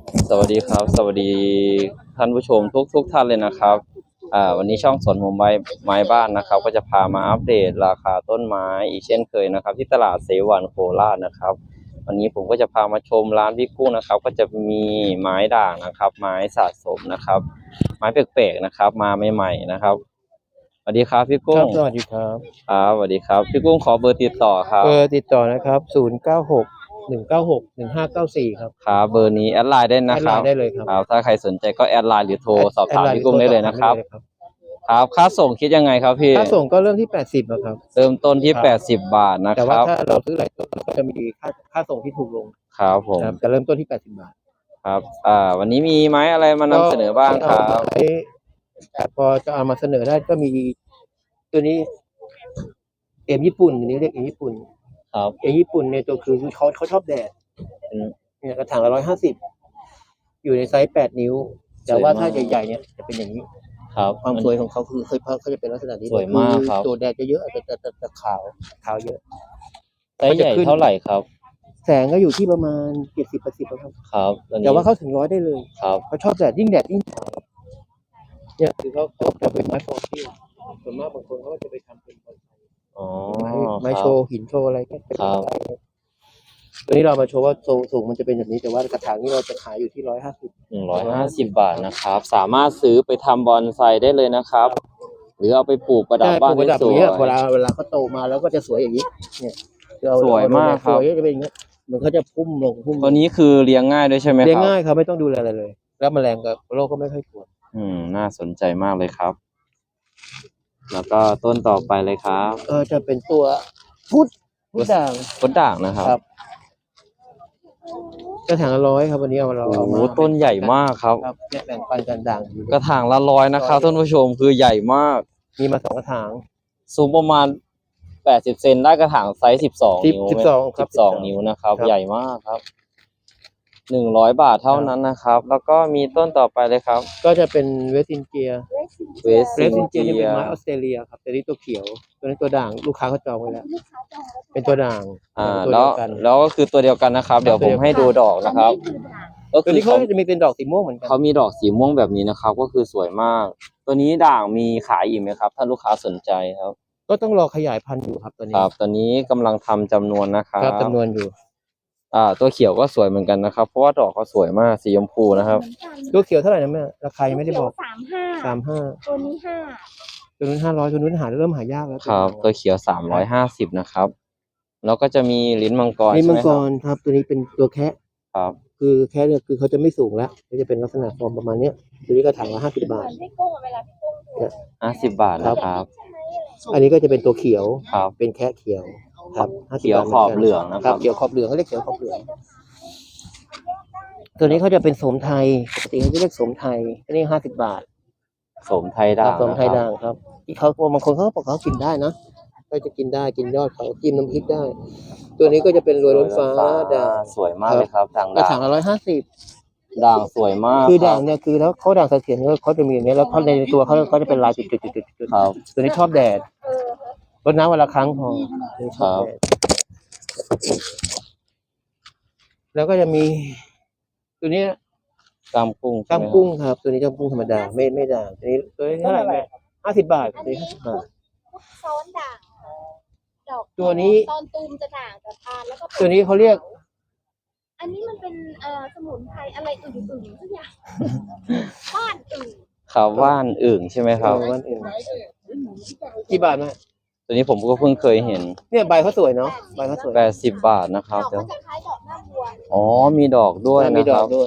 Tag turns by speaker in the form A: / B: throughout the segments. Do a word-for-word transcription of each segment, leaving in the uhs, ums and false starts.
A: สวัสดีครับสวัสดีท่านผู้ชมทุกทุกท่านเลยนะครับอ่าวันนี้ช่องสวนมุมไม้ไม้บ้านนะครับก็จะพามาอัปเดตราคาต้นไม้อีกเช่นเคยนะครับที่ตลาดเสวันโคราชนะครับวันนี้ผมก็จะพามาชมร้านพี่กุ้งนะครับก็จะมีไม้ด่างนะครับไม้สะสมนะครับไม้แปลกๆนะครับมาใหม่ๆนะครับสวัสดีครับพี่
B: ค
A: กุ้ง
B: รับสวัสดีครับ
A: ครับสวัสดีครับพี่กุ้งขอเบอร์ติดต่อครั
B: เบ
A: บ
B: อร์ติดต่อนะครับศูนย์เก้าหกหนึ่งเก้าหกหนึ่งห้าเก้าสี่ครับ
A: ครับเบอร์นี้แอดไลน์ได้
B: แอดไล
A: นะครับ
B: น์ได้เลยครับ
A: ครับถ้าใครสนใจก็แอดไลน์หรือโทร
B: แอด
A: สอบถาม
B: แอดไลน์หรื
A: พี่กุ้งได้
B: อโทรสอบ
A: เลยนะครับ
B: ถามได้เลยครับ
A: ครับค่าส่งคิดยังไงครับพี่
B: ค่าส่งก็เริ่มที่แปดสิบอะครับ
A: เริ่มต้นที่
B: ครับ
A: แปดสิบบาทนะ
B: แต่
A: ครับ
B: ว่าถ้าเราซื้อหลายตัวเราก็จะมีค่าค่าส่งที่ถูกลง
A: ครับผม
B: นะครับแต่เริ่มต้นที่แปดสิบบาท
A: ครับอ่าวันนี้มีไม้อะไรมานำเสนอบ้างค
B: ก็
A: รั
B: เอา
A: บ
B: ไว้แต่พอจะเอามาเสนอได้ก็มีตัวนี้เอ็มญี่ปุ่นอันนี้เรียกเอ็มญี่ปุ่น
A: ครับ
B: เอ็มญี่ปุ่นเนี่ยตัวคือเขาเขาชอบแดด
A: อืม
B: เนี่ยกระถางละร้อยห้าสิบอยู่ในไซส์แปดนิ้วแต่ว่าถ้าใหญ่ๆเนี่ยจะเป็นอย่างนี้
A: ครับ
B: ความสวยของเขาคือเคยเขาจะเป็นลักษณะนี้
A: สวยมากครับ
B: ตัวแดดจะเยอะแต่แต่แต่แต่ขาวขาวเยอะ
A: ไซส์ใหญ่เท่าไหร่ครับ
B: แสงก็อยู่ที่ประมาณเจ็ดสิบแปดสิบครับ
A: ครับอัน
B: แต่
A: นี้
B: ว่าเขาถึงร้อยได้เลย
A: ครับ
B: เขาชอบแดดยิ่งแดดยิ่งเนี่ยคือเขาเขาจะเป็นไม้ฟอสซิลส่วนมากบางคนเขาก็จะไปทำเป็น
A: อ๋อ
B: ไม้ไม้
A: ครั
B: โช
A: บ
B: ว์หินโชว์อะไรก็เป็น
A: ครับ
B: ได้ตัวนี้เรามาโชว์ว่าสูงสูงมันจะเป็นแบบนี้แต่ว่ากระถางนี้เราจะขายอยู่ที่ร้อยห้าสิบ
A: หนึ่งร้อยห้าสิบบาทนะครับสามารถซื้อไปทำบอนไซได้เลยนะครับหรือเอาไปปลูกประดับ
B: ใช่ป
A: บ้า
B: ลู
A: น
B: กประดับอย่าง
A: ได้สว
B: เงี้ยเวลายเวลาเขาโตมาแล้วก็จะสวยอย่างนี้เนี่ยเรา
A: สวยมากครับ
B: สวยจะเป็นอย่างเงี้ยเหมือนเขาจะพุ่มลงพุ่มลง
A: ตัวนี้คือเลี้ยงง่ายด้วยใช่ไหมครับ
B: เลี้ยงง่ายครับไม่ต้องดูแลอะไรเลย แล้วแมลงกับโรคก็ไม่ค่อยกลัว
A: อืมน่าสนใจมากเลยครับ แล้วก็ต้นต่อไปเลยครับ
B: เออจะเป็นตัวพุทธพุทธด่าง
A: ต้นด่างนะครับ
B: ครับกระถางละร้อยครับวันนี้เอาเรา
A: โอ้
B: เอา
A: โห
B: มา
A: ต้นใหญ่มากครับ
B: ครับเนี่ยแบ่งปันกันด่างอยู่
A: กระถางละร้อยนะครับท่านผู้ชมคือใหญ่มาก
B: มีมาสองกระถาง
A: สูงประมาณแปดสิบเซนได้กระถางไซส์สิบสอง
B: สิบ
A: นิ้ว
B: สิบสองครับ
A: สิบสองนิ้วนะครับ
B: ครับ
A: ใหญ่มากครับหนึ่งร้อยบาทเท่านั้นนะครับ แล้วก็มีต้นต่อไปเลยครับ
B: ก็จะเป็นเวสตินเจีย
A: เวส
B: เวสตินเจียนี่
A: เจี
B: เป็น
A: ย
B: ไม้ออสเตรเลียครับแต่นี่ตัวเขียวตัวนี้ตัวด่างลูกค้าเขาจองไว้แล้วเป็นตัวด่าง
A: อ่า
B: ตัว
A: แล้
B: เดี
A: ว
B: ยวกัน
A: แล้วก็คือตัวเดียวกันนะครับ เดี๋ยวผมให้ดูดอกนะครับ ก็
B: ตัว
A: คือ
B: นี้เขา
A: เขา
B: จะมีเป็นดอกสีม่วงเหมือนกัน
A: เขามีดอกสีม่วงแบบนี้นะครับ ก็คือสวยมาก ตัวนี้ด่างมีขายอีกไหมครับ ถ้าลูกค้าสนใจครับ
B: ก็ต้องรอขยายพันธุ์อยู่ครับตัวนี้
A: ครับตอนนี้กำลังทำจำนวนนะครับ
B: ครับจำนวนอยู่
A: อ่า ตัวเขียวก็สวยเหมือนกันนะครับ เพราะว่าดอกเขาสวยมากสีชมพูนะครับ
B: ตัวเขียวเท่าไหร่นะแม่ราคายังไม่ได้บอก
C: สามห้า
B: สามห้า
C: ตัวนี้ห้า
B: ตัวนู้นห้าร้อยตัวนู้นหาเริ่มหายากแล้ว
A: ครับ ตัวเขียวสามร้อยห้าสิบนะครับ แล้วก็จะมีลิ้นมังกร
B: นี่
A: ใช่
B: มั
A: ไห
B: ง
A: ม
B: ก
A: ครับ
B: รครับตัวนี้เป็นตัวแคะ
A: ครับ
B: คือแคะเนี่ยคือเขาจะไม่สูงแล้วก็จะเป็นลักษณะฟอร์มประมาณเนี้ยตัวนี้ก็ถังละห้าสิบบาท
C: พี่กุ้งเวลาพี่กุ้งดู
A: ห้าสิบบาทนะครับ
C: ใช่ไหมอะไร
B: อันนี้ก็จะเป็นตัวเขียว
A: ครับ
B: เป็นแคะเขียวครับห้าสิบ
A: เขียว
B: บาท
A: ขอบเหลืองนะครับ
B: เขียวขอบเหลืองเขาเรียกเขียวขอบเหลือง ตัวนี้เขาจะเป็นโสมไทยปกติเขาจะเรียกโสมไทยอันนี้ห้าสิบบาท
A: สมไทยด่าง
B: โสม
A: นะ
B: ไท
A: ค
B: ย
A: รับ
B: ด่างครับที่เขาบางคนเขาก็บอกเขากินได้นะก็จะกินได้กินยอดเขาจิ้มน้ำพริกได้ ตัวนี้ก็จะเป็นรวยล้นฟ้าด่าง
A: สวยมากเลยครับด่าง
B: กระ
A: ด่า
B: ถาง
A: ง
B: ละร้อยห้าสิบ
A: ด่างสวยมาก
B: คือด่าง
A: รับ
B: เนี่ยคือแล้วเขาด่างเสถียรเนี่ยเขาจะมีอย่างนี้ยแล้วเขาในตัวเขาเขาจะเป็นลายจุดจุดจุดจุดจุด
A: ครับ
B: ตัวนี้ชอบแดด
C: เออ
B: รดน้ำวันละครั้งพอตัวนี้ชอบ
A: ครับ
B: แดดแล้วก็จะมี ตัวเนี้ย
A: กล้ามกุ้งใช่
B: กล้าม
A: ไหครับ
B: กุ้งครับ ตัวนี้กล้ามกุ้งธรรมดาไม่ไม่ด่างตัวนี้ตัวนี้เท่าไหร่แม่ห้าสิบบาทตัวนี้ห้าสิบบาท
C: ซ้อนด่างดอก
B: ตัวนี้
C: ตอนตูมจะด่างแต่ทานแล้วก็ป็
B: ตัวนี้เขาเรียก
C: อันนี้มันเป็นเอ่อสมุนไพรอะไรอื่นๆทุกอย่างบ้านอื่น
A: ครับว่านอึ่งใช่ไหมครับ
B: เออวันอื่นกี่บาทแม่
A: ตัวนี้ผมก็เพิ่งเคยเห็น
B: เนี่ยใบเขาสวยเนาะใบเขาสวย
A: แปดสิบบาทนะค
C: ด
A: รั
C: อบ ก
A: เดี๋ยว
C: ก็จะคล้ายดอกหน้าบัว
A: อ๋อมีดอกด้วย
B: มี
A: นะ
B: ด
A: ค
B: อ
A: รั
B: ก
A: บ
B: ด้วย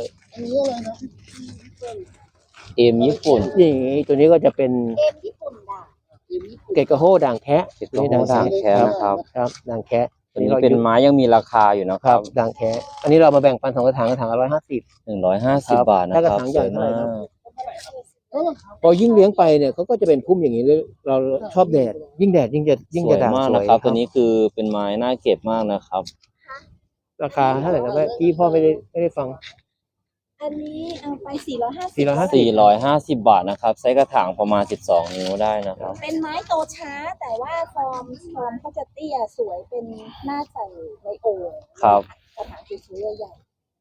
A: เอมญี่ปุ่น
B: นี่ตัวนี้ก็จะเป็น
C: เอ็มญี่ปุ่นด่าง
B: เกตกระโฮด่างแคะ
A: เก็บตัวด่างแค่นะครับ
B: ครับด่างแคะ
A: ตัวนี้เป็นไม้ยังมีราคาอยู่นะค
B: ครั
A: รั
B: บบ ด่างแคะอันนี้เรามาแบ่งปันสองกระถางกระถางละร้อยห้าสิบ
A: หนึ่งร้อยห้าสิบบาทนะ
B: ถ้าก
A: ค
B: ระ
A: รับ
B: ถาง
A: ส
B: ใหญ่
A: วย
B: เท่าไหร่
A: มา
B: ครับ
A: ก
B: พอยิ่งเลี้ยงไปเนี่ยเขาก็จะเป็นพุ่มอย่างนี้เลยเราชอบแดดยิ่งแดดยิ่งจะยิ่ง
A: ส
B: จะ
A: วย
B: ด่าง
A: มาก
B: สว
A: นะ
B: ย
A: ครับ ตัวนี้คือเป็นไม้น่าเก็บมากนะครับ
B: ราคาเท่าไหร่นะแม่พี่พ่อไม่ได้ไม่ได้ฟัง
C: อันนี้เอาไปสี่ร้อยห้าสิบ
B: สี่ร้อยห้าสิบ
A: สี่ร้อยห้าสิบบาทนะครับไซส์กระถางประมาณสิบสองนิ้วได้นะครับ
C: เป็นไม้โตช้าแต่ว่าฟอร์มฟอร์มเขาจะเตี้ยสวยเป็นหน้าใส่ในโอ่ง
A: ครับ
C: กระถางสวยๆใหญ่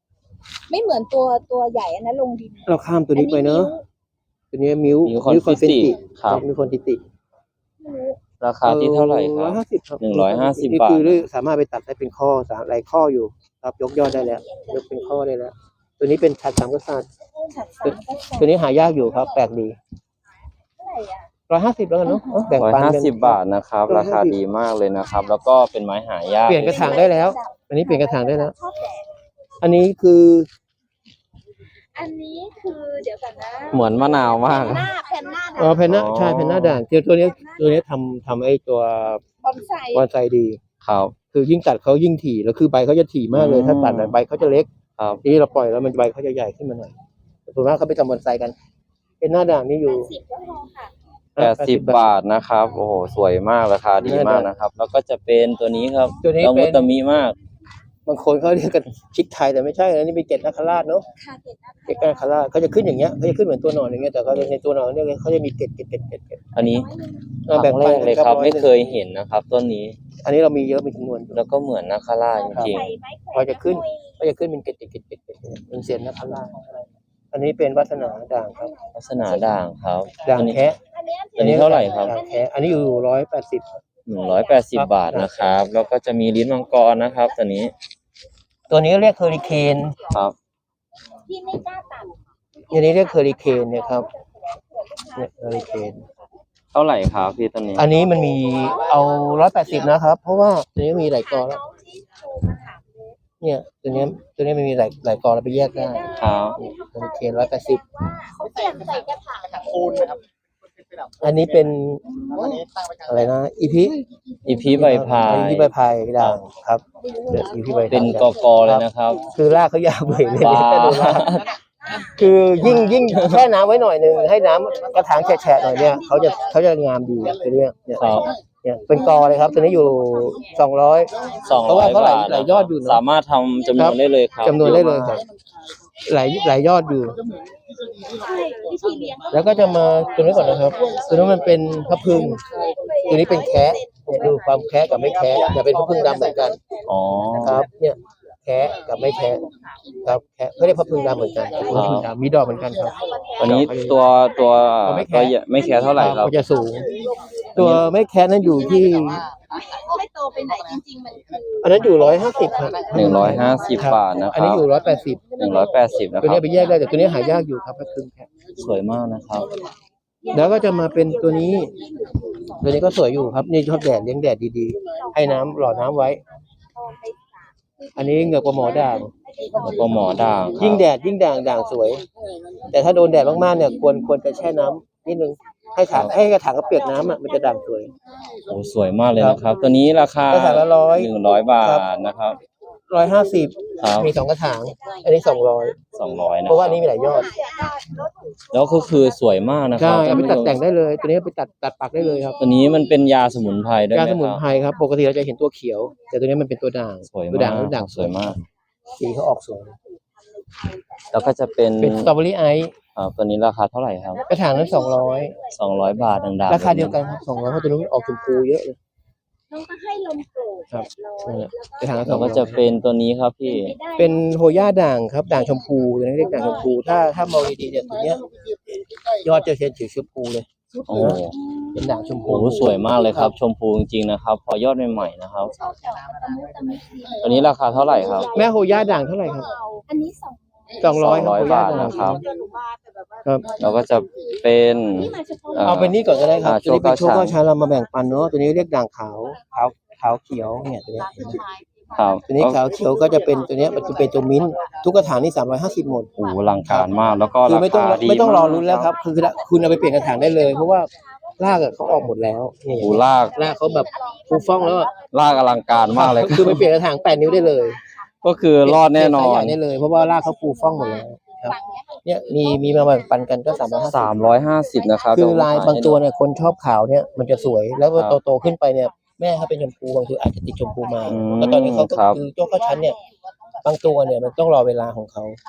C: ไม่เหมือนตัวตัวใหญ่อันนั้นลงดิน
B: เราข้ามตัวนี้ไปเนอะตัวนี้มิว
A: มิวคอนฟิติครับ
B: มิวคอนฟิติ
C: ไม่รู้
A: ราคาที่เท่าไหร่ค
B: ร้
A: รั
B: อบ ยห้าสิบครับ
A: หนึ่งร้อยห้าสิบ
B: นี่
A: บาท
B: คือสามารถไปตัดได้เป็นข้อสามหลายข้ออยู่ครับยกยอดได้แล้วยกเป็นข้อได้แล้ว ตัวนี้เป็นฉัดสามกษัตริย์
C: ฉัดสามก็
B: ตัวนี้หายากอยู่ครับแปลกดี
C: เท่าไหร่อ่ะ
B: ร้อยห้าสิบแล้วกันเนาะเอ้าแบ่ง
A: ร้อย
B: ปัน
A: ห้า
B: กัน
A: สิบบาทนะครับ ราคาดีมากเลยนะครับ แล้วก็เป็นไม้หายาก
B: เปลี่ยนกระถางได้แล้ว อันนี้เปลี่ยนกระถางได้แล้ว
C: ชอบแดด
B: อันนี้คือ
C: อันนี้คือเดี๋ยวกันนะ
A: เหมือนมะนาวมาก
C: หน้าแผ่นหน้า
B: อ๋อเพนหน้า
A: อ๋อ
B: ใช่เพนหน้าด่างเจอตัวนี้ตัวนี้ทำทำไอ้ตัว
C: บอนไซ
B: บอนไซดี
A: ครับ
B: คือยิ่งตัดเขายิ่งถี่แล้วคือใบเขาจะถี่มากเลย
A: อืม
B: ถ้าตัดใบเขาจะเล็ก
A: ครับ
B: ทีนี้เราปล่อยแล้วมันใบเขาจะใหญ่ขึ้นมาหน่อยส่วนมากเขาไปทำบอนไซกัน เป็นหน้าด่างนี่อยู่
C: สิบก็พอค่ะ
A: แปดสิบบาทนะครับ โอ้โห สวยมากราคาดีมากนะครับ แล้วก็จะเป็นตัวนี้ครับ
B: ตัวนี้
A: ละมุ
B: เป็น
A: ตมิมาก
B: บางคนเขาเรียกกันชิคไทยแต่ไม่ใช่นะนี่เป็นเกล็ดนาคราชเนาะ
C: ค่ะเก็บนะ
B: เกล็ดนาคราชเขาจะขึ้นอย่างเงี้ยเขาจะขึ้นเหมือนตัวหนอนอย่างเงี้ยแต่เขาในตัวหนอนเนี่ยเขาจะมีเกล็ดเกล็ดเกล็ดเกล็ดเกล็ด
A: อันนี้
B: เออ
A: ค
B: แบ่
A: รั้
B: ง
A: ง
B: ปั
A: แร
B: น
A: กเลยครับ
B: ร้อ
A: ไม่
B: หนึ่ง
A: เคยเห็นนะครับต้นนี้
B: อันนี้เรามีเยอะมีจำนวน
A: แล้วก็เหมือนนาคาราชจริง
C: ใส่ไม้แขวน
B: พอจะขึ้น ก็จะขึ้นเป็นเกล็ดเกล็ดเกล็ดเกล็ดเกล็ดเป็นเสียนนาคราชอันนี้เป็นวัฒนาด่างครับ
A: ๆลักษณะด่างครับ
B: ด่าง
A: อันนี้
B: แคะ
C: อันเนี้ย
A: อันนี้เท่าไหร่ครับ
B: ด่างแคะอันนี้อยู่ร้อยแปดสิบ
A: หนึ่งร้อยแปดสิบบาทนะครับ แล้วก็จะมีลิ้นมังกรนะครับ ตัวนี้
B: ตัวนี้เรียกเฮอริเคน
A: ครับ
C: ที่ไม่กล้าตัด
B: อันนี้เรียกเฮอริเคนเนี่ยครับเนี่ยเฮอริเคน
A: เท่าไหร่ครับพี่ตัวนี้
B: อันนี้มันมีเอาร้อยแปดสิบนะครับ เพราะว่าตัวนี้มีหลายกอแล้ว
C: น้องที่โทรมาถามเลย
B: เนี่ยตัวนี้ตัวนี้มันมีหลายหลายกอเราไปแยกได้
A: ครับ
B: เฮอริเคนร้อยแปดสิบ
C: ว่าเขาเปลี่ยนใส่กระถาง
D: คูณนะครับ
B: อันนี้เป็น
D: อันนี้ตั้งไว้กลาง
B: อะไรนะอีพี
A: อีพีใบพาย
B: อีพีใบพายด่างครับเดี๋ยวอีพีใบพาย
A: เป็นกอกอเลยนะครับ
B: คือรากเขายาวเบื่อเลย
A: ว้า
B: เนี่ยถ้าดูรากคือยิ่งยิ่งแช่น้ำไว้หน่อยหนึ่งให้น้ำกระถางแฉะๆหน่อยเนี่ยเขาจะเขาจะงามดีตัวเนี้ยเนี่ย
A: ครับ
B: เนี่ยเป็นกอเลยครับตัวนี้อยู่สองร้อย
A: สอง
B: เพราะ
A: ร้อ
B: ว่าย เขาหลาย
A: บาท
B: หลายยอดอยู่นะ
A: สามารถทำจำน
B: ครั
A: วน
B: บ
A: ได้เลยครับ
B: จำนวนได้เลยครับหลายหลายยอดอยู่
C: ใช่วิธีเลี้ยง
B: แล้วก็จะมาตัวนี้ก่อนนะครับ ตัวนี้มันเป็นพระพึ่ง ตัวนี้เป็นแคะเนี่ยดูความแคะกับไม่แคะอย่าเป็นพระพึ่งดำเหมือนกัน
A: อ๋อ
B: ครับ เนี่ยแคะกับไม่แคะครับแคะไม่ได้พระพึ่งดำเหมือนกันเป็นพระพึ่งดำมีดอกเหมือนกันครับ
A: วันนี้ตัวตัว
B: ตัวไม่
A: ตัว
B: แคะ
A: ไม่แค่เท่าไหร่ครับ
B: มันจะสูง ตัวไม่แคะนั้นอยู่ที่
C: ไม่โตไปไหนจริงๆมันคือ
B: อันนั้นอยู่ร้อยห้าสิบครับ
A: หนึ่งร้อยห้าสิบบาทนะค
B: อัน
A: รั
B: นี้
A: บ
B: อยู่ร้อยแปดสิบ
A: หนึ่งร้อยแปดสิบนะ
B: ตัว
A: ครั
B: นี้
A: บ
B: ไปแยกได้แต่ตัวนี้หายากอยู่ครับพระพึ่งแคะ
A: สวยมากนะครับ
B: แล้วก็จะมาเป็นตัวนี้ ตัวนี้ก็สวยอยู่ครับ นี่ชอบแดดเลี้ยงแดดดีๆ ให้น้ำหล่อน้ำไว้ อันนี้เหงือกปลาหมอด่าง
A: แล้วก็หมอด่างครับ
B: ยิ่งแดดยิ่งด่างด่างสวย แต่ถ้าโดนแดดมากๆเนี่ยควรควรจะแช่น้ำนิดนึงให้ถางให้กระถางก็เปียกน้ำอ่ะมันจะด่างสวย
A: โอ้สวยมากเลยนะครับ ตัวนี้ราคาก
B: ระถางละร้อย
A: หนึ่งร้อยบา
B: ครับ
A: ทนะครับ
B: ร้อยห้าสิบ
A: ครับ
B: มีสองกระถาง อันนี้สองร้อย
A: สองร้อยนะ
B: เพราะว่าอันนี้มีหลายยอด
A: แล้วก็คือสวยมากนะค
B: ใช่
A: รับ
B: เอาไปตัดแต่งได้เลย ตัวนี้เอาไปตัดตัดปักได้เลยครับ
A: ตัวนี้มันเป็นยาสมุนไพรด้วยไห
B: ยาม สมุน
A: ครับ
B: ไพรครับ ปกติเราจะเห็นตัวเขียว แต่ตัวนี้มันเป็นตัวด่าง
A: สวย
B: ตัว
A: มา
B: ด่าง
A: ก
B: ด่าง
A: สวยมาก
B: สีเขาออกสวย
A: แล้วก็จะเป็น
B: เป็นสตรอเบอรี่ไอซ์
A: อ่าตัวนี้ราคาเท่าไหร่ครับ
B: กระถางนั้นสองร้อย
A: สองร้อยบาทดังๆ
B: ราคาเดียวกันครับสองร้อยเพราะตัวนี้นออกชมพูเยอะเลย
C: น้องก็ให้ลมโกรธ
B: ครับ
C: แปดร้อย
B: นั่นแหละกระถางละส
A: แล้
B: อ
A: ว
B: ง
A: ก็
B: ร้อย
A: จะเป็นตัวนี้ครับพี่
B: เป็นโฮย่าด่างครับด่างชมพูตัวนี้เรียกด่างชมพูถ้าถ้ามองดีๆเนี่ยตัวเนี้ยยอดจะเห็นสีชมพูเลย
A: โอ้
B: เป็นด่างชม
A: โห
B: พู
A: สวยมากเลยครับ ชมพูจริงๆนะครับ พอยอดใหม่ๆนะครับ
C: ชอบดอกตะมุตะมิดี
A: ตัวนี้ราคาเท่าไหร่ครับ
B: แม่โฮย่าด่างเท่าไหร่ครับ
C: อันนี้สอง
B: สองร้อย
A: สองร้อย
B: โฮย่
A: บาท
B: ด่ง
A: นะครับ
B: ครับ
A: แล้วก็จะเป็น
C: นี่มาเฉพาะ
A: อ่า
B: เอาเป็นนี่ก่อนก็ได้ครับ
A: อ่า
B: ตัวนี้เป็น
A: โช
B: โช
A: ค
B: ค
A: เก้า
B: เก้าชั้นเรามาแบ่งปันเนาะตัวนี้เรียกด่างขาวขาวขาวเขียวเนี่ยตัวเนี้ยเห็นไหม
A: ครับ
B: ตัวนี้ขาวเขียวก็จะเป็นตัวเนี้ยมันจะเป็นตัวมิ้นท์ทุกกระถางนี่สามร้อยห้าสิบหมด
A: โอ้โหอลังการมาก แล้วก็
B: คือ
A: รา
B: ไม่ต้อง
A: คาดี
B: ไม่ต้องรอ
A: มาก
B: ลุ้นแล้วครับคือคุณเอาไปเปลี่ยนกระถางได้เลย เพราะว่ารากอะเขาออกหมดแล้วนี่
A: โอ้โหลาก
B: รากเขาแบบฟูฟ่องแล้วอะ
A: ลากอลังการมากเลย
B: คือไปเปลี่ยนกระถางแปดนิ้วได้เลย
A: ก็คือรอดแน่นอ
B: เปลี่ยสายให
A: น
B: ญ่ได้เลยเพราะว่ารากเขาฟูฟ่องหมดแล้วครับเนี่ยมีมีมาแบ่งปันกันก็สามร้อยห้าสิบ
A: สามร้อยห้าสิบนะครับ
B: คือลายบางตัวเนี่ยคนชอบขาวเนี่ยมันจะสวยแล้วพอ
A: ครับ
B: โตๆขึ้นไปเนี่ยแม่เขาเป็นชมพูบางทีอาจจะติดชมพูมา
A: อืม
B: แล้วตอนนี้เขาก็
A: ครับ
B: คือเจ้าข้าวชั้นเนี่ยบางตัวเนี่ยมันต้องรอเวลาของเขา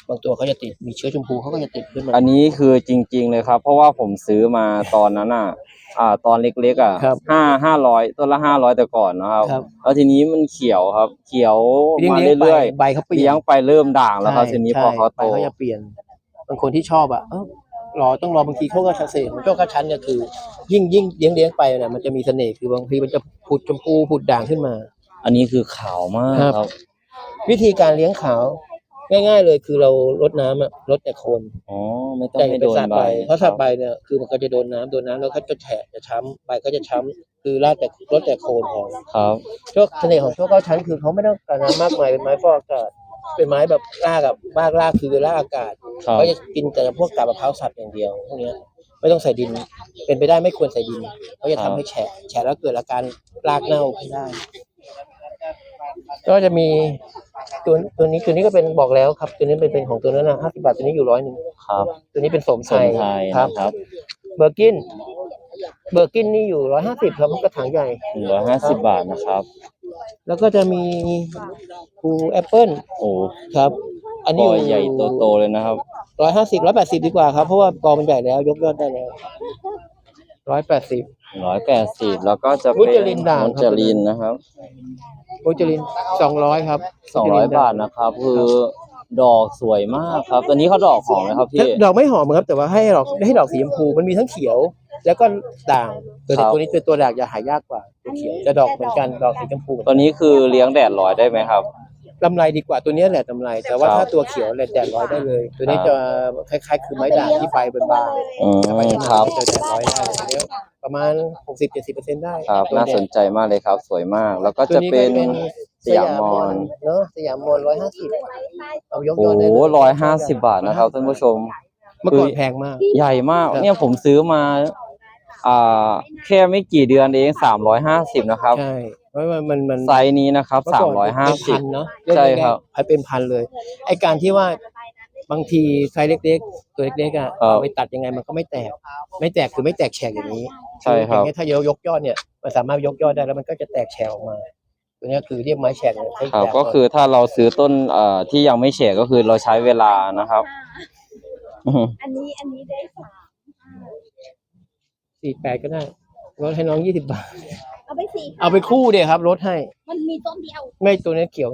B: บางตัวเขาจะติดมีเชื้อชมพูเขาก็จะติดขึ้นมา
A: อันนี้คือจริง ๆ เลยครับ เพราะว่าผมซื้อมาตอนนั้นอ่ะ อ่า ตอนเล็กๆอ่ะ
B: ครับ
A: ห้าห้าร้อยต้นละห้าร้อยแต่ก่อนนะครับ
B: ครับ
A: แล้วทีนี้มันเขียวครับ เขียว
B: เลี้ยง
A: มา
B: เลี้ยงไป
A: เรื่อย
B: ใบเขาเป
A: ๆ
B: ลี่ย
A: เลี้ย
B: น
A: งไปเริ่มด่างแล้วครับทีนี้พอเขา
B: ใบ
A: โต
B: เขาจะเปลี่ยนบางคนที่ชอบอ่ะเออรอต้องรอบางทีเขาก็เสน่ห์ของโชคชั้นเนี่ยคือ ยิ่งยิ่งเลี้ยงเลี้ยงไปเนี่ยมันจะมีเสน่ห์คือบางทีมันจะผุดชมพูผุดด่างขึ้นมา
A: อันนี้คือขาวมาก
B: ครับ
A: ครับ
B: วิธีการเลี้ยงขาวง่าย ๆ เลยคือเราลดน้ำอะลดแต่โคน
A: อ๋อ ไม่ต้อง
B: แต่
A: ให้
B: เป็
A: โด
B: น
A: น
B: สาด
A: ใบ
B: ใบเพราะสาดใบเนี่ยคือมันก็จะโดนน้ำโดนน้ำแล้วก็จะแฉะจะช้ำใบก็จะช้ำคือลาดแต่ลดแต่โคนพอ
A: ครับ
B: โชคเสน่ห์ของโชคเก้าชั้นคือเขาไม่ต้องการน้ำมากมายเป็นไม้ฟอกอากาศเป็นไม้แบบรากกับรากรากคือรากอากาศ
A: ครับ
B: เขาจะกินแต่พวกกาบมะพร้าวสับอย่างเดียวพวกเนี้ยไม่ต้องใส่ดิน เป็นไปได้ไม่ควรใส่ดินเขาจะทำให้แฉะแฉะแล้วเกิดอาการรากเน่าขึ้นได้ ก็จะมีตัวตัวนี้ตัวนี้ก็เป็นบอกแล้วครับ ตัวนี้เป็นเป็นของตัวนั้นนะห้าสิบบาทตัวนี้อยู่ร้อยหนึ่ง
A: ครับ
B: ตัวนี้เป็นสม
A: ส
B: ไท
A: ม
B: ย
A: ไทย
B: ครับ
A: นะครับ
B: เบอร์กินเบอร์กินนี่อยู่ร้อยห้าสิบครับกระถางใหญ่
A: หนึ่งร้อยห้าสิบบาทนะครับ
B: แล้วก็จะมีภูแอปเปิล
A: โอ้
B: ครับ อันนี้
A: ก
B: อ
A: อยู่ ใหญ่โตๆเลยนะครับ
B: ร้อยห้าสิบร้อยแปดสิบดีกว่าครับเพราะว่ากอมันใหญ่แล้วยกยอดได้แล้วร้อยแปดสิบ
A: ร้อยแปดสิบแล้วก็จะ
B: มุ
A: เป็น
B: จลินด่าง
A: มุ
B: ครับ
A: จลินนะครับ
B: โอจลินสองร้อยครับ
A: สองร้อยบาทนะครับ คือดอกสวยมากครับ ตัวนี้เขาดอกหอมไหมครับพี่
B: ดอกไม่หอมครับแต่ว่าให้ดอกให้ดอกสีชมพูมันมีทั้งเขียว แล้วก็ด่างตัว
A: ครับ
B: ตัวนี้เป็นตัวด่างจะหายากกว่าตัวเขียวจะดอกเหมือนกันดอกสีชมพู
A: ตัวนี้คือเลี้ยงแดดร้อยได้ไหมครับ
B: ลำไรดีกว่าตัวนี้แหละลำไรแต่ว่า
A: ครับ
B: ถ้าตัวเขียวแหละแดดร้อยได้เลย ตัวนี้จะคล้ายๆ คือไม้ด่างที่ใบบาง
A: อืม
B: ๆ
A: ครับ
B: จะแดดร้อยได้ตัวนี้ประมาณหกสิบเจ็ดสิบเปอร์เซ็นต์ได้
A: ครับ
B: ตัว
A: น่า
B: แด
A: ส
B: ด
A: นใจมากเลยครับ สวยมาก แล้วก็
B: ตัว
A: จะ
B: นี้
A: เป็น
B: ก็
A: สยามมอน
B: เนาะสยามมอนร้อยห้าสิบเอายก
A: โอ้
B: ยอดได้
A: โห
B: เลย
A: ร้อยห้าสิบบาทนะครับท่านผู้ชม
B: เมื่อก่อนแพงมาก
A: ใหญ่มาก
B: ครับ
A: เนี่ยผมซื้อมา อ่า แค่ไม่กี่เดือนเองสามร้อยห้าสิบนะครับ
B: ใช่เพราะว่ามันมัน
A: ไซส์นี้นะครับ
B: เมื่
A: สาม
B: ก่น
A: ร้อยห้า
B: เป็น
A: สิบ
B: พันเนาะ
A: ใช่ครับ
B: ให้เป็นพันเลย ไอการที่ว่าบางทีไซส์เล็กๆ ตัวเล็กๆอ่ะ
A: ครับ
B: เอาไปตัดยังไงมันก็ไม่แตก ไม่แตกคือไม่แตกแฉกอย่างนี้
A: ใช่ครับ
B: อย่างเงี้ยถ้ายกยกยอดเนี่ยมันสามารถยกยอดได้แล้วมันก็จะแตกแฉกออกมา ตัวเนี้ยคือเรียกไม้แฉกเนี่ยใช้
A: ครับ
B: แฉ
A: ก็คือถ้าเราซื้อต้นเอ่อที่ยังไม่แฉกก็คือเราใช้เวลานะครับ อืม
C: อันนี้อันนี้ได้สาม
B: สี่แปดก็ได้ลดให้น้องยี่สิบบาท
C: เอาไปสี่
B: เอาไปคู่เดียวครับลดให้
C: มันมีต้นเดียว
B: ไม่ตัวนี้เขียว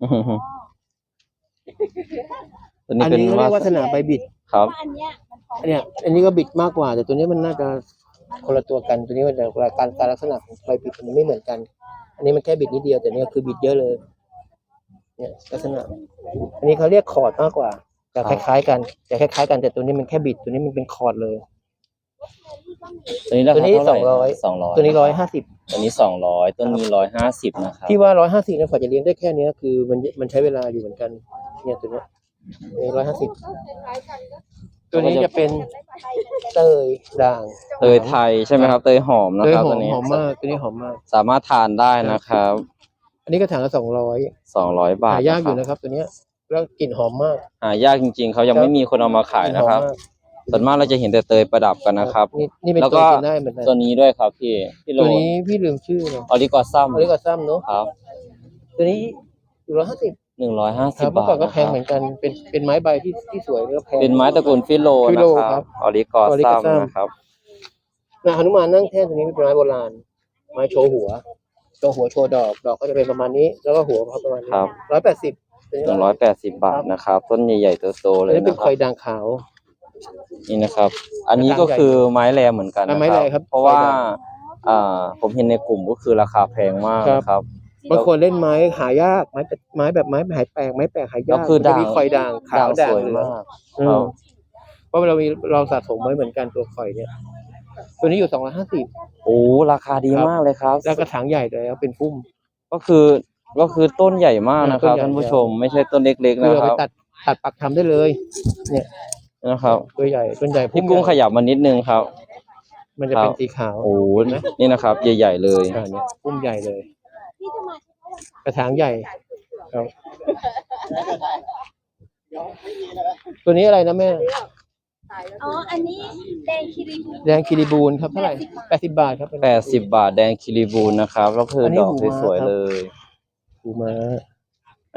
A: ตัวนี้
B: อัน
A: เป็น
B: นี้เขาเรียก
A: วา
B: วัฒนาใบบิด
A: ครับ
C: ว่าอันเนี้ยมันพอ
B: เนี่ย อันนี้ก็บิดมากกว่า แต่ตัวนี้มันน่าจะคนละตัวกัน ตัวนี้มันแต่การการลักษณะของใบบิดมันไม่เหมือนกัน อันนี้มันแค่บิดนิดเดียว แต่เนี้คือบิดเยอะเลย เนี่ยลักษณะ อันนี้เขาเรียกคอร์ดมากกว่าแต่คล้ายๆกันแต่คล้ายๆกันแต่ตัวนี้มันแค่บิด ตัวนี้มันเป็นคอร์ดเลย
A: ตัวนี้รา
B: ตัว
A: คา
B: นี้
A: เท่าไหร่
B: สองร้อย
A: สองร้อย
B: ตัวนี้ร้อยห้าสิบ
A: ตัวนี้สองร้อยต้นนี้ร้อยห้าสิบนะครับ
B: ที่ว่าร้อยห้าสิบเนี่ยกว่าจะเลี้ยงได้แค่เนี้ยคือมันมันใช้เวลาอยู่เหมือนกัน เนี่ยตัวเนี้ยร้อยห้าสิบตัวนี้จะเป็นเตยด่าง
A: เตยไทยใช่ไหมครับ เตยหอมนะ
B: เตย
A: ครับ
B: หอ
A: ตัว
B: ม
A: นี้
B: หอมมากตัวนี้หอมมาก
A: สามารถทานได้นะครับ
B: อันนี้ก็ถังละสองร้อย
A: สองร้อยบาท
B: หายากอยู่
A: นะ
B: นะครับ ตัวเนี้ยแล้วกลิ่นหอมมาก
A: หายากจริงๆเขายังไม่มีคนเอามาขาย
B: กลิ่น
A: นะ
B: หอม
A: ครับ
B: มาก
A: ส่วนมากเราจะเห็นแต่เตยประดับกันนะครับ
B: นี่นี่เป็น
A: แล้ว
B: ตัว
A: ก็
B: กินได้เหมือนกัน
A: ตัวนี้ด้วยครับพี่พี่โล
B: ตัวนี้พี่ลืมชื่อเลย
A: ออริกอซัม
B: อริกาซัมเนาะ
A: ครับ
B: ตัวนี้อยู่ร้อยห้าสิบ
A: หนึ่งร้อยห้า
B: ค
A: สิบ
B: รับเมื่อบ
A: า
B: ก่อ
A: ท
B: นก็
A: นะ
B: แพ
A: ครั
B: ง
A: บ
B: เหมือนกันเป็นเป็นไม้ใบที่ที่สวยแล้วก็แพง
A: เป็นไม้ตระกูลฟิโล
B: ฟิ
A: นะ
B: โล
A: ค
B: ครั
A: รับบ ออริกอ
B: ออริก
A: ซั
B: อ
A: ม
B: ซัม
A: นะครับ
B: นาหนุมานนั่งแท่นตัวนี้เป็นไม้โบราณ ไม้โชว์หัว โชว์หัวโชว์ดอก ดอกก็จะเป็นประมาณนี้ แล้วก็หัวเขาประมาณนี้
A: ครับ
B: ร้อยแปดสิบ
A: หนึ่งร้อยแปดสิบบาทนะครับ ต้นใหญ่ๆโตๆเล
B: อัน
A: ย
B: นี้เป็น
A: นะค
B: ค
A: รั
B: อบ ยด่างขาว
A: นี่นะครับ อันนี้ก็คือไม้แรเหมือนกันนะ
B: ไม้
A: ค
B: แร
A: รับ
B: ครับ
A: เพราะว่า
B: ไม้แร
A: อ่าผมเห็นในกลุ่มก็คือราคาแพงมาก
B: ครับ
A: นะครับ
B: บางคนเล่นไม้หายาก ไม้แบบไม้แบบไม้หายแปลกไม้แปลกหายา
A: แล้
B: ก
A: วคือ
B: มันจะมี
A: ด่าง
B: คอยด่างขาว
A: ด่า
B: ด่าง ง
A: สวย
B: เหลือง
A: มาก
B: อืมเพราะเรามีเราสะสมไว้เหมือนกันตัวคอยเนี่ย ตัวนี้อยู่สองร้อยห้าสิบ
A: โอ้ราคาดีมากเลยครับ
B: แล้วกระถางใหญ่เลยแล้วเป็นพุ่ม
A: ก็คือก็คือต้นใหญ่มากนะครับ
B: ต้นใหญ่
A: ท่านผู้ชมไม่ใช่ต้นเล็กๆ
B: คือ
A: นะ
B: เรา
A: ค
B: ไป
A: รับ
B: ตัดตัดปักทำได้เลย เนี่ย
A: นะครับ
B: ตัวใหญ่ต้นใหญ่พุ่
A: พี่
B: ม
A: กุ้ง
B: ให
A: ข
B: ญ่
A: ยับมานิดนึงครับ
B: มันจะเป็น
A: ครับ
B: สีขาว
A: โอ้นี่นะครับ ใหญ่ๆเลย
B: อ่าเนี่ยพุ่มใหญ่เลย
C: ที่จะมาเฉพาะวันเสาร์
B: กระถางใหญ่ครับตัวนี้อะไรนะแม่
C: อ๋อ อันนี้แดงคิริบู
B: แดงคิริบูลครับเท่าไหร่แปดสิบบาทครับ
A: แปดสิบบาทแดงคิริบูลนะครับแล้วคืออน
B: นี้
A: ดอก
B: หูม้า
A: สวย
B: ครับ
A: ๆเลย
B: ปูม้า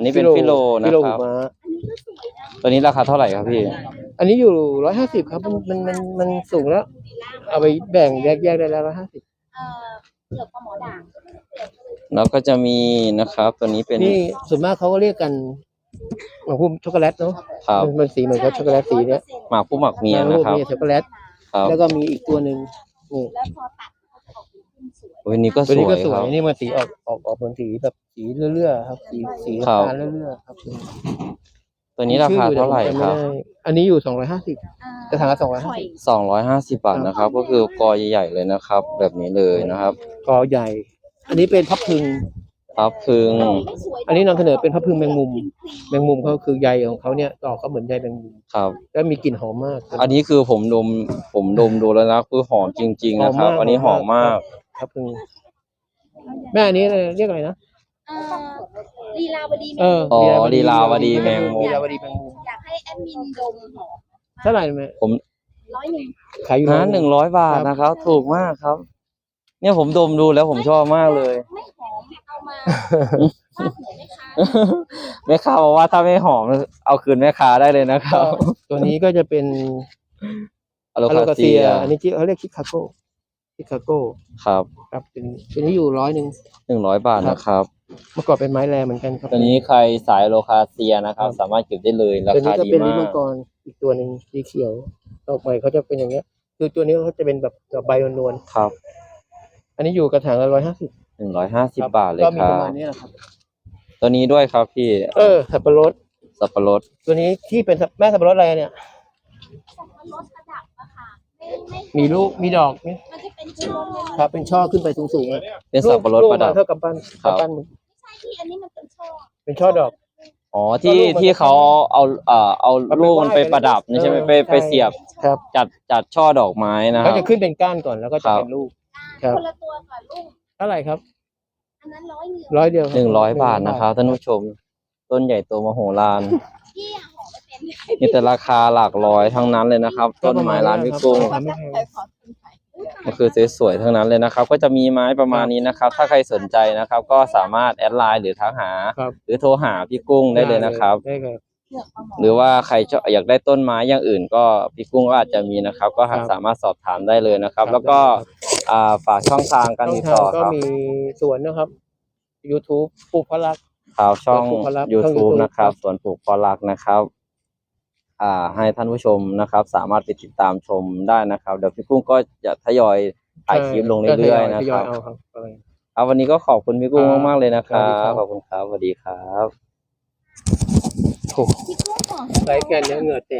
A: นนี้เป็นฟิโลนะ
B: ฟิโล
A: ค
B: หู
A: รับ
B: ม้า
C: อันนี้ก็สวยนะ
A: ตัวนี้ราคาเท่าไหร่ครับพี่
B: อันนี้อยู่ร้อยห้าสิบครับมันมันมันมันสูงแล้ว เอาไปแบ่งแยกแยกได้แล้วร้อยห้าสิบ
C: เอ่อเกือบปลาหมอด่าง
A: แล้วก็จะมีนะครับ ตัวนี้เป็น
B: นี่ส่วนมากเขาก็เรียกกันหมากพุมช็อกโกแลตเนาะ
A: ครับ
B: มันมันสีเหมือนกับช็อกโกแลตสีเนี้ย
A: หมากผู้หมักเมียนะครับ
B: มีช็อกโกแลต
A: ครับ
B: แล้วก็มีอีกตัวหนึ่งนี่
C: แล้วพอตัดเขาจะออกเป็นขึ้นสวย
A: วันนี้ก็
B: ตัว
A: ส
B: นี้
A: ว
B: ก็
A: ย
B: สว
A: ค
B: ย
A: รับ
B: นี่มันสีออกออกออกเหมือนสีแบบสีเลื่อยๆครับสีสี
A: ครับ
B: น้ำตาลเลื่อยๆครับ
A: ตัวนี้ราคาเท่าไหร่ครับ
B: อันนี้อยู่สองร้อยห้าสิบ
C: อ่า
B: จะทางละสองร้อย
C: ห
B: ห้า
C: อย
B: สิบ
A: สองร้อยห้าสิบบาทนะครับ ก็คือกอใหญ่ๆเลยนะครับ แบบนี้เลยนะครับ
B: กอใหญ่ อันนี้เป็นพับพึง
A: ครับพึง
C: ไม่สวย
B: อันนี้นำเสนอเป็นพับพึงแมงมุม แมงมุมเขาคือใยของเขาเนี่ยดอกเขาเหมือนใยแมงมุม
A: ครับ
B: แล้วมีกลิ่นหอมมาก
A: อันนี้คือผมดมผมดมดูแล้วนะคือหอมจริง ๆ นะครับ อันนี้หอมมาก
B: พับพึงแม่อันนี้อะไรเรียกอะไรนะ
C: เอ่อลีลาวดีแม
B: เอง อ
A: อ๋อลีลาวดีแมงมุม
B: ลีลาวดีแมงมุม
C: อยากให้แอดมินดมหอม
B: เท่าไหร่แม่
A: ผม
C: ร้อยหนึ่ง
B: ขายอยู่
A: นะหนึ่งร้อยบาทนะครับ ถูกมากครับ เนี่ยผมดมดูแล้วผมชอบมากเลย
C: ไม่หอมเอามาฟาดหัวแม่ค้า
A: แม่ค้าบอกว่าถ้าไม่หอมเอาคืนแม่ค้าได้เลยนะครับ
B: ตัวนี้ก็จะเป็น
A: อโล
B: อโล
A: คา
B: คา
A: เซี
B: เซี
A: ย
B: ย อันนี้ที่เขาเรียกชิคาโกชิคาโก
A: ครับ
B: ครับเป็นตัวนี้อยู่ร้อยหนึ่ง
A: หนึ่งร้อยบาทนะครับ
B: เมื่อก่อนเป็นไม้แรงเหมือนกันครับ
A: ตัวนี้ใครสายอโลคาเซียนะครับ สามารถเก็บได้เลยรา
B: ตัว
A: คา
B: นี้ก็
A: ดี
B: เป็นลิ้น
A: มา
B: มั
A: ก
B: งกรอีกตัวหนึ่งสีเขียวดอกใหม่เขาจะเป็นอย่างเงี้ย คือตัวนี้เขาจะเป็นแบบดอกใบนวล
A: ครับ
B: ๆอันนี้อยู่กระถางละร้อยห้าสิบ
A: หนึ่งร้อยห้าสิบบาทเลย
B: ก็
A: ค
B: มี
A: รั
B: ประ
A: บ
B: มาณนี้แหละครับ
A: ตัวนี้ด้วยครับพี่
B: เออสับปะรด
A: สับปะรด
B: ตัวนี้ที่เป็นสับแม่สับปะรดอะไรเนี่ย
C: สับปะรดประดับอะค่ะไม่ไม่
B: มีลูกมีดอกนี่
C: มันจะเป็นช่วงเลย
B: ครับ เป็นช่อขึ้นไปสูงๆอะ
A: เป็นสับปะรด
B: ลูก
A: ประดับ
B: เท่ากับปั้น
A: ครับ
B: กำปั้น
C: ไม่ใช่ที่อันนี้มันเป็นช่อ
B: เป็นช่อดอก
A: อ๋อที่
B: ก็ลูกมัน
A: ที่เขาเอาเอ่อเอา
B: เอาไป
A: ลูกมันไป
B: ไหว้
A: ประดับนี่ใช่ไหม
B: เออ
A: ไปไป
B: ใช่
A: เสียบ
B: ครับ
A: จัดจัดช่อดอกไม้นะค
B: เขา
A: รับ
B: จะขึ้นเป็นก้านก่อนแล้วก็
A: ครั
B: จะ
A: บ
B: เป็นลูก ครับ
C: คนละตัวก่อนลูก
B: เท่าไหร่ครับ
C: อันนั้นร้อยหนึ่ง
B: ร้อยเดียวคบ
A: หนึ่งร้อยบาทนะครับท่านผู้ชม ต้นใหญ่โตมโหฬาร
C: พี่อะหอมไม่เป็น
A: มีแต่ราคาหลักร้อยทั้งนั้นเลยนะครับ
B: ก็
A: ต้น
B: ประ
A: ไม้
B: มาณ
A: ร้าน
B: นั้น
A: พิ
B: ครับ
A: กุ้ง
B: ทำไม่แพง
C: ขอคุณไข่
A: ก็คือสวยๆทั้งนั้นเลยนะครับ ก็จะมีไม้ประมาณนี้นะครับ ถ้าใครสนใจนะครับ ก็สามารถแอดไลน์หรือทักหา
B: ครับ
A: หรือโทรหาพี่กุ้งได้เลยนะครับ
B: ได้ครับ
C: เลือกปลาหมอ
A: หรือว่าใครชอบอยากได้ต้นไม้อย่างอื่น ก็พี่กุ้งก็อาจจะมีนะครับ ก็หา
B: ครับ
A: สามารถสอบถามได้เลยนะครับ
B: ครับ
A: แล้วก็
B: ได้ครับ
A: อ่าฝากช่องทางการ
B: ช่อง
A: ติด
B: ทา
A: ต่
B: ง
A: อ
B: ก็
A: ครับ
B: มีสวนนะครับ YouTube ปลูกพลัก
A: ข่าวช่อง
B: ปลูกพอรัก
A: YouTube
B: ช่อง YouTube
A: นะครับ
B: ครับ
A: ส่วนปลูกพอรักนะครับ อ่า ให้ท่านผู้ชมนะครับ สามารถไปติดตามชมได้นะครับ เดี๋ยวพี่กุ้งก็จะทยอยถ่ายคลิปลงเรื่อยๆนะ
B: ท
A: ค
B: ย
A: รั
B: อบ ยเอาครับอะไร
A: เอาวันนี้ก็ขอบคุณพี่กุ้ง
B: ครับ
A: มากๆเลยนะครั
B: สวัสดีครับ บ
A: ขอบคุณครับสวัสดีครับ
B: โอ้
C: พี่กุ้งหอม
B: ไรแกนเนื้อเหงื่อแตก